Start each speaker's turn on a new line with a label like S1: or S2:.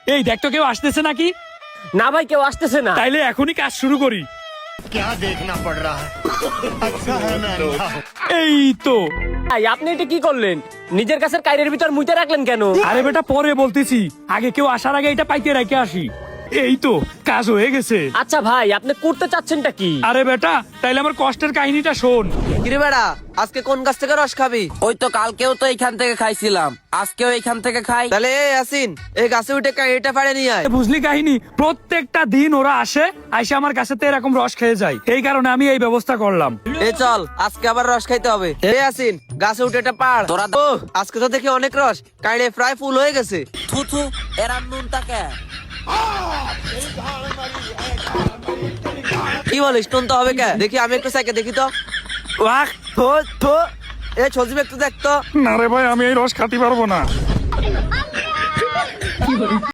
S1: এই দেখ তো কেউ আসতেছে নাকি?
S2: না ভাই, কেউ আসতেছে না।
S1: তাইলে এখনই কাজ শুরু করি।
S3: क्या देखना पड़ रहा है अच्छा है मैं अंधा हूं।
S1: এই তো।
S2: ভাই আপনি এটা কি করলেন? নিজের কাছের কাইরের ভিতর মুইতে রাখলেন কেন?
S1: আরে বেটা পরে বলতেছি, আগে কেউ আসার আগে এটা পাইতে রেখে আসি। এই তো কাজ হয়ে গেছে।
S2: আচ্ছা ভাই, আপনি করতে চাচ্ছেনটা কি?
S1: আরে বেটা তাইলে আমার কষ্টের কাহিনীটা শোন।
S4: কিরে বেড়া, আজকে কোন গাছ থেকে রস খাবি?
S5: ওই তো কালকেও তো এইখান থেকে খাইছিলাম, আজকেও এইখান থেকে খাই।
S4: তাহলে এই আসিন, এই গাছে উঠে এটা পাড়ে নিয়ে আয়।
S1: বুঝলি কাহিনী? প্রত্যেকটা দিন ওরা আসে, আইসা আমার কাছে তো এরকম রস খেয়ে যায়। এই কারণে আমি এই ব্যবস্থা করলাম।
S4: এই চল, আজকে আবার রস খাইতে হবে। এই আসিন, গাছে উঠে এটা পাড়।
S5: তোরা
S4: ও আজকে তো দেখি অনেক রস, কাইড়ে প্রায় ফুল হয়ে গেছে।
S5: থু থু, এরা নুন তাকে।
S4: কি বলিস, নুন তো হবে কে? দেখি আমি একটু সাইকে দেখি তো।
S1: ওয়াক,
S4: থো থো, এ সজীব একটু দেখ তো।
S1: না রে ভাই, আমি এই রস খাতে পারবো না।